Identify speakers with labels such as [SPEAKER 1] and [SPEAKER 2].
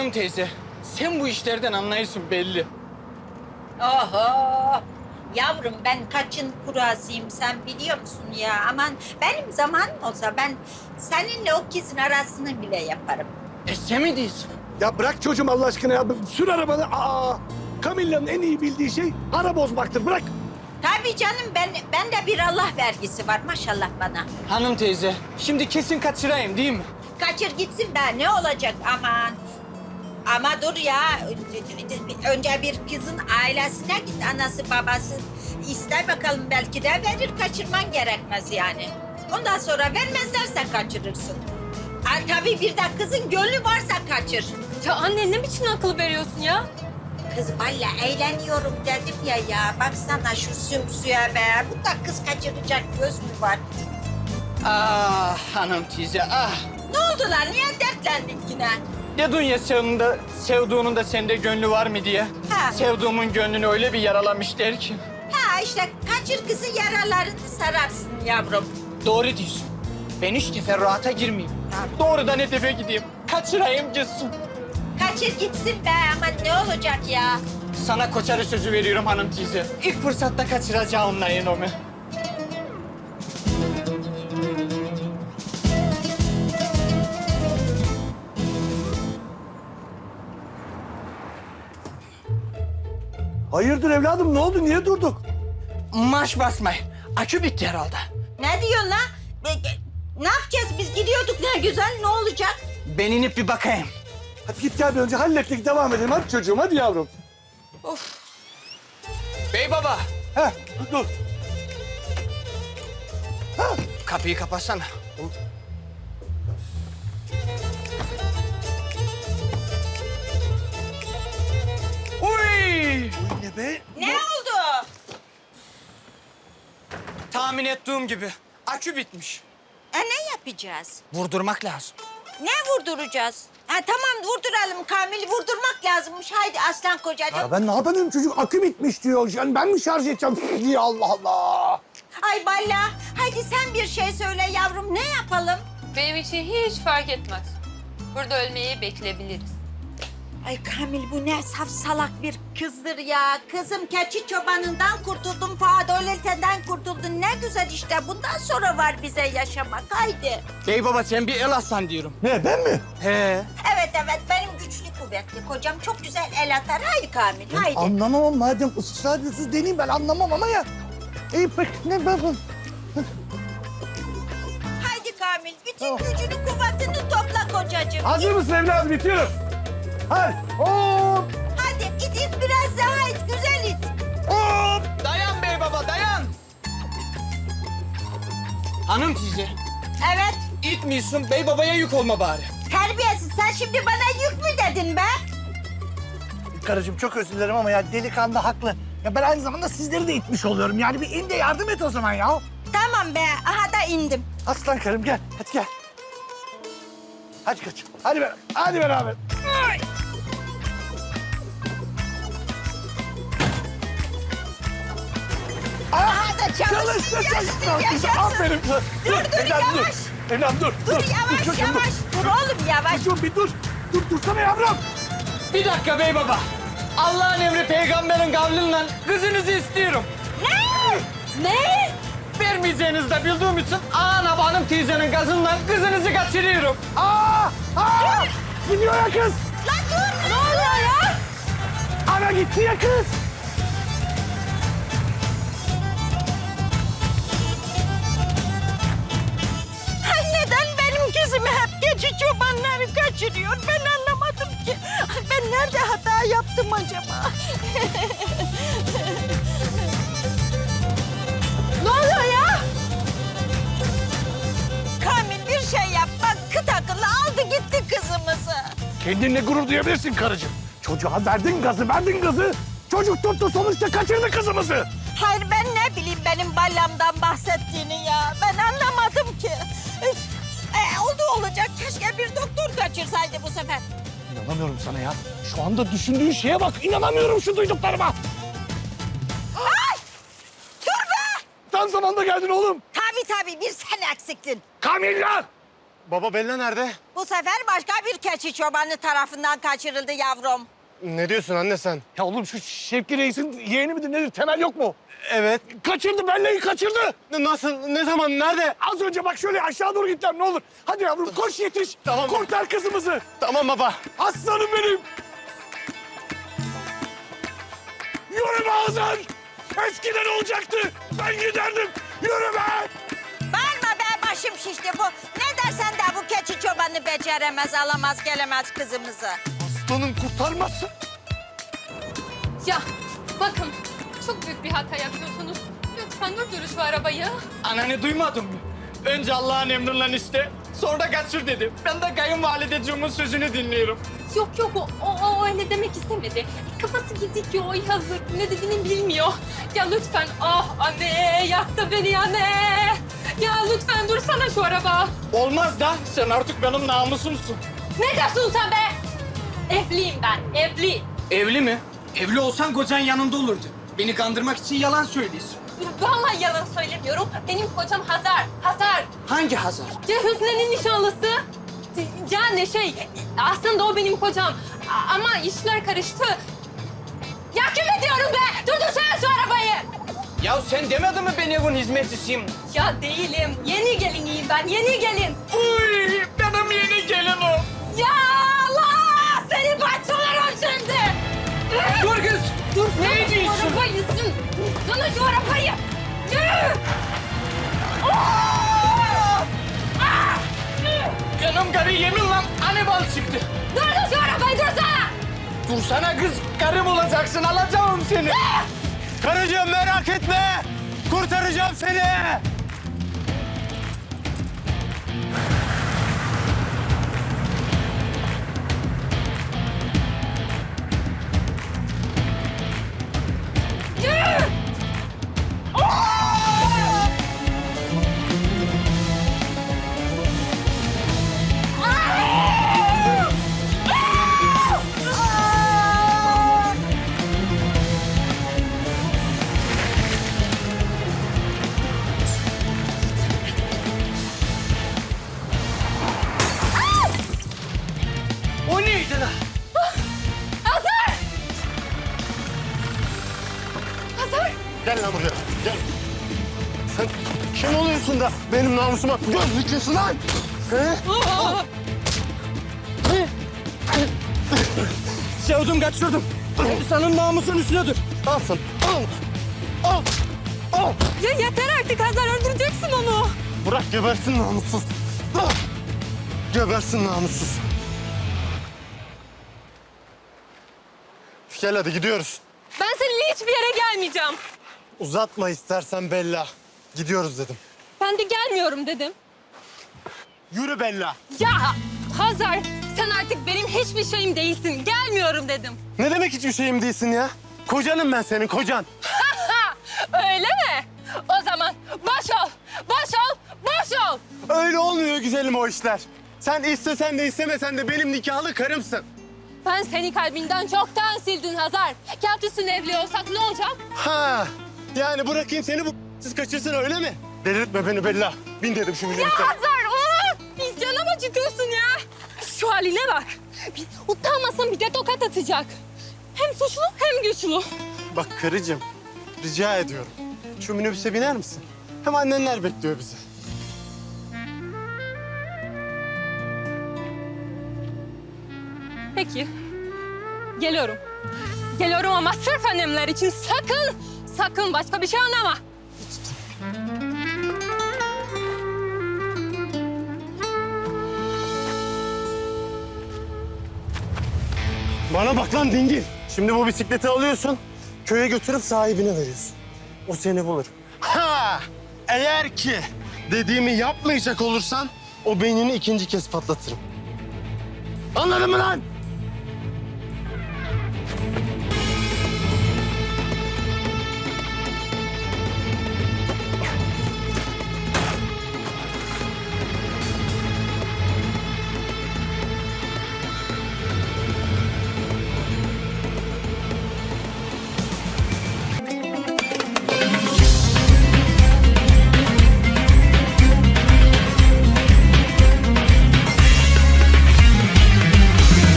[SPEAKER 1] Hanım teyze, sen bu işlerden anlayırsın belli.
[SPEAKER 2] Oho! Yavrum ben kaçın kurasıyım sen biliyor musun ya? Aman benim zamanım olsa ben seninle o kızın arasını bile yaparım.
[SPEAKER 1] Sen mi diyorsun?
[SPEAKER 3] Ya bırak çocuğum Allah aşkına ya. Sür arabanı. Camilla'nın en iyi bildiği şey ara bozmaktır. Bırak.
[SPEAKER 2] Tabii canım ben de bir Allah vergisi var maşallah bana.
[SPEAKER 1] Hanım teyze, şimdi kesin kaçırayım değil mi?
[SPEAKER 2] Kaçır gitsin be ne olacak aman. Ama dur ya önce bir kızın ailesine git anası babası. İster bakalım belki de verir kaçırman gerekmez yani. Ondan sonra vermezlerse kaçırırsın. Tabii bir de kızın gönlü varsa kaçır.
[SPEAKER 4] Ya anne ne biçim akıl veriyorsun ya?
[SPEAKER 2] Kız valla eğleniyorum dedim ya. Baksana şu sümsüye be. Bunda kız kaçıracak göz mü var?
[SPEAKER 1] Ah hanım teyze, ah.
[SPEAKER 2] Ne oldu lan? Niye dertlendin yine?
[SPEAKER 1] Dedin ya sevduğunun da sende gönlü var mı diye.
[SPEAKER 2] Ha.
[SPEAKER 1] Sevduğumun gönlünü öyle bir yaralamışlar ki.
[SPEAKER 2] Ha işte kaçır kızı yaralarını sararsın yavrum.
[SPEAKER 1] Doğru diyorsun. Ben hiç teferruata girmeyeyim. Doğrudan hedefe gideyim. Kaçırayım gitsin.
[SPEAKER 2] Kaçır gitsin be ama ne olacak ya?
[SPEAKER 1] Sana koçarı sözü veriyorum hanım teyze. İlk fırsatta kaçıracağım onların onu.
[SPEAKER 3] Hayırdır evladım ne oldu? Niye durduk?
[SPEAKER 1] Marş basmayın. Akü bitti herhalde.
[SPEAKER 2] Ne diyorsun lan? Ne yapacağız biz gidiyorduk ne güzel ne olacak?
[SPEAKER 1] Ben inip bir bakayım.
[SPEAKER 3] Hadi git gel bir önce hallettik devam edelim. Hadi çocuğum hadi yavrum.
[SPEAKER 1] Bey baba,
[SPEAKER 3] Heh dur.
[SPEAKER 1] kapıyı kapatsana. Uy!
[SPEAKER 3] Ne be?
[SPEAKER 2] Ne oldu?
[SPEAKER 1] Tahmin ettiğim gibi akü bitmiş.
[SPEAKER 2] Ne yapacağız?
[SPEAKER 1] Vurdurmak lazım.
[SPEAKER 2] Ne vurduracağız? Ha tamam vurduralım Kamil'i vurdurmak lazımmış. Haydi aslan kocacığım.
[SPEAKER 3] Ya ben ne yapayım çocuk akü bitmiş diyor. Yani ben mi şarj edeceğim diye Allah Allah.
[SPEAKER 2] Ay Balla haydi sen bir şey söyle yavrum ne yapalım?
[SPEAKER 4] Benim için hiç fark etmez. Burada ölmeyi bekleyebiliriz.
[SPEAKER 2] Ay Kamil bu ne saf salak bir kızdır ya. Kızım keçi çobanından kurtuldun, Fadoleten kurtuldun. Ne güzel işte bundan sonra var bize yaşamak. Haydi.
[SPEAKER 1] Bey baba sen bir el atsan diyorum.
[SPEAKER 3] Ne ben mi?
[SPEAKER 1] He.
[SPEAKER 2] Evet benim güçlü kuvvetli kocam çok güzel el atar. Haydi Kamil haydi.
[SPEAKER 3] Anlamam madem ısrar ediyorsunuz deneyeyim ben anlamam ama ya. İyi pek ne ben...
[SPEAKER 2] Haydi Kamil bütün gücünü kuvvetini topla kocacığım.
[SPEAKER 3] Hazır mısın evladım bitiyorum. Hadi hop
[SPEAKER 2] Hadi it biraz daha it güzel it.
[SPEAKER 3] hop.
[SPEAKER 1] Dayan bey baba dayan. Hanım teyze,
[SPEAKER 2] Evet
[SPEAKER 1] itmiyorsun bey babaya yük olma bari.
[SPEAKER 2] terbiyesiz sen şimdi bana yük mü dedin be?
[SPEAKER 3] Karıcığım çok özür dilerim ama ya delikanlı haklı. Ya ben aynı zamanda sizleri de itmiş oluyorum. Yani bir in de yardım et o zaman ya.
[SPEAKER 2] Tamam be aha da indim.
[SPEAKER 3] Aslan karım gel. Hadi gel. Hadi kaç. Hadi beraber. Hadi beraber. Ay.
[SPEAKER 2] Aha da
[SPEAKER 3] Çalıştı, çalıştı.
[SPEAKER 2] yaşasın.
[SPEAKER 3] Aferin.
[SPEAKER 2] Dur,
[SPEAKER 3] Evladım dur.
[SPEAKER 2] yavaş.
[SPEAKER 3] Evladım dur.
[SPEAKER 2] Dur yavaş
[SPEAKER 3] çocuğum,
[SPEAKER 2] yavaş. Dur oğlum yavaş.
[SPEAKER 3] Dur bir dur. Dur dursana yavrum.
[SPEAKER 1] Bir dakika bey baba. Allah'ın emri peygamberin kavliyle kızınızı istiyorum.
[SPEAKER 2] Ne? Ne?
[SPEAKER 1] Vermeyeceğinizi de bildiğim için ana hanım teyzenin gazından kızınızı kaçırıyorum.
[SPEAKER 3] Aa! Gidiyor ya kız.
[SPEAKER 2] Lan dur ne oluyor ya?
[SPEAKER 3] Ana gitti ya kız.
[SPEAKER 2] Ay neden benim kızımı hep geçi çobanları kaçırıyor? Ben anlamadım ki. Ay, ben nerede hata yaptım acaba? Ne oluyor ya? Kamil bir şey yap. Bak kıt akıllı aldı gitti kızımızı.
[SPEAKER 3] Kendinle gurur duyabilirsin karıcığım. Çocuğa verdin gazı. Çocuk tuttu sonuçta kaçırdı kızımızı.
[SPEAKER 2] Hayır ben ne bileyim benim ballamdan bahsettiğini ya. Ben anlamadım ki. Üf. Oldu olacak. Keşke bir doktor kaçırsaydı bu sefer.
[SPEAKER 3] İnanamıyorum sana ya. Şu anda düşündüğün şeye bak. İnanamıyorum şu duyduklarıma.
[SPEAKER 2] Ay! Dur be!
[SPEAKER 3] Tam zamanda geldin oğlum.
[SPEAKER 2] Tabii bir sen eksiktin.
[SPEAKER 3] Kamilla!
[SPEAKER 5] Baba Bella nerede?
[SPEAKER 2] Bu sefer başka bir keçi çobanı tarafından kaçırıldı yavrum.
[SPEAKER 5] Ne diyorsun anne sen?
[SPEAKER 3] Ya oğlum şu Şevki Reis'in yeğeni midir nedir? Temel yok mu?
[SPEAKER 5] Evet.
[SPEAKER 3] Kaçırdı, Bella'yı kaçırdı.
[SPEAKER 5] Nasıl? Ne zaman? Nerede?
[SPEAKER 3] Az önce bak şöyle aşağı doğru gittiler ne olur. Hadi yavrum koş yetiş.
[SPEAKER 5] Tamam.
[SPEAKER 3] Kurtar kızımızı.
[SPEAKER 5] Tamam baba.
[SPEAKER 3] Aslanım benim. Yürü be Hazar. Eskiden olacaktı. Ben giderdim. Yürü be.
[SPEAKER 2] Bağırma be, başım şişti bu. Ne dersen de bu keçi çobanı beceremez, alamaz, gelemez kızımızı.
[SPEAKER 3] Aslanım kurtarmazsın.
[SPEAKER 4] Ya bakın çok büyük bir hata yapıyorsunuz. Lütfen durdurun şu arabayı.
[SPEAKER 1] Ananı duymadın mı? Önce Allah'ın emrinden iste, sonra da kaçır dedi. Ben de kayınvalideciğimin sözünü dinliyorum.
[SPEAKER 4] Yok o öyle demek istemedi. Kafası gidik ya, o yazık. Ne dediğini bilmiyor. Ya lütfen, ah anne yaktı beni anne. Ya lütfen dursana şu araba.
[SPEAKER 1] Olmaz da sen artık benim namusumsun.
[SPEAKER 4] Ne diyorsun sen be? Evliyim ben, evli.
[SPEAKER 1] Evli mi? Evli olsan kocan yanında olurdu. Beni kandırmak için yalan söylüyorsun.
[SPEAKER 4] Vallahi yalan söylemiyorum. Benim kocam Hazar, Hazar.
[SPEAKER 1] Hangi Hazar?
[SPEAKER 4] Ya Hüsnü'nün nişanlısı. Yani aslında o benim kocam. Ama işler karıştı. Ya kim ediyorum be? Durdursana şu arabayı.
[SPEAKER 1] Ya sen demedin mi ben evin hizmetçisiyim?
[SPEAKER 4] Ya değilim. Yeni geliniyim ben, yeni gelin.
[SPEAKER 1] Uy, benim yeni gelinim.
[SPEAKER 4] Ya Allah! Seni parçalarım şimdi.
[SPEAKER 1] Dur kız.
[SPEAKER 4] Dur,
[SPEAKER 1] Ne diyorsun?
[SPEAKER 4] Şu arabayı, sana şu arabayı. Yürü! Aa! Ah!
[SPEAKER 1] Benim karı yeminle anibal çıktı.
[SPEAKER 4] Durdur şu arabayı, dursana!
[SPEAKER 1] Dursana kız, karım olacaksın, alacağım seni.
[SPEAKER 5] Karıcığım merak etme. Kurtaracağım seni.
[SPEAKER 4] Yürü!
[SPEAKER 1] O neydi lan?
[SPEAKER 4] Hazar! Hazar!
[SPEAKER 5] Gel lan buraya. Gel. Sen kim oluyorsun da benim namusuma göz dikiyorsun lan? He?
[SPEAKER 1] Sevdim, kaçırdım. Senin namusun üstüne dur.
[SPEAKER 5] Al sen. Al. Al. Al.
[SPEAKER 4] Ya yeter artık Hazar, öldüreceksin onu.
[SPEAKER 5] Bırak gebersin namussuz. Ah! Gebersin namussuz. Gel hadi gidiyoruz.
[SPEAKER 4] Ben seninle hiçbir yere gelmeyeceğim.
[SPEAKER 5] Uzatma istersen Bella. Gidiyoruz dedim.
[SPEAKER 4] Ben de gelmiyorum dedim.
[SPEAKER 5] Yürü Bella.
[SPEAKER 4] Ya Hazar, sen artık benim hiçbir şeyim değilsin. Gelmiyorum dedim.
[SPEAKER 5] Ne demek hiçbir şeyim değilsin ya? Kocanım ben senin, kocan.
[SPEAKER 4] Öyle mi? O zaman boş ol, boş ol, boş ol.
[SPEAKER 5] Öyle olmuyor güzelim o işler. Sen istesen de istemesen de benim nikahlı karımsın.
[SPEAKER 4] Ben seni kalbinden çoktan sildin Hazar. Kağıt üstüne evli olsak ne olacak?
[SPEAKER 5] Ha, yani bırakayım seni bu siz kaçırsın öyle mi? Delirtme beni Bella. Bin dedim şu minibüse.
[SPEAKER 4] Hazar, bir canım acıtıyorsun ya. Şu haline bak. Bir utanmasan bir de tokat atacak. Hem suçlu hem güçlü.
[SPEAKER 5] Bak karıcığım, rica ediyorum. Şu minibüse biner misin? Hem annenler bekliyor bizi.
[SPEAKER 4] Peki. Geliyorum. Geliyorum ama sırf annemler için sakın başka bir şey anlama.
[SPEAKER 5] Bana bak lan dingil. Şimdi bu bisikleti alıyorsun, köye götürüp sahibine veriyorsun. O seni bulur. Ha! Eğer ki dediğimi yapmayacak olursan o beynini ikinci kez patlatırım. Anladın mı lan?